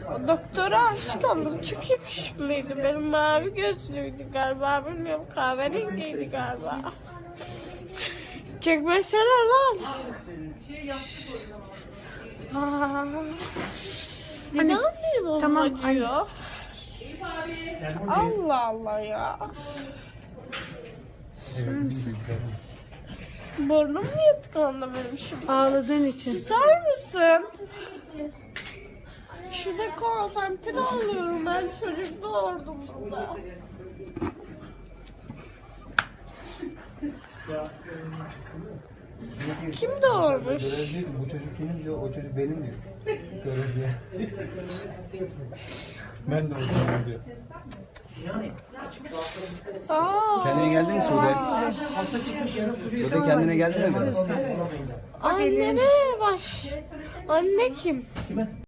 O doktora aşık oldum. Çok yakışıklıydı. Benim mavi gözlüydü galiba. Bilmiyorum, kahverengiydi galiba. Çekmesene lan. İnanmıyorum, tamam, acıyor. Allah Allah ya. Susar mısın? Burnum niye tıkandı benim şimdi? Ağladığın için. Susar mısın? Şurada konsantre oluyorum, ben çocuk doğurdum burada. Kim doğurmuş? Görev değil, bu çocuk kimin diyor, o çocuk benim diyor. Görev diye. Ben de oradayım diyor. Aa, Kendine geldin mi Sude? Sude kendine geldin mi? annene baş. Anne kim?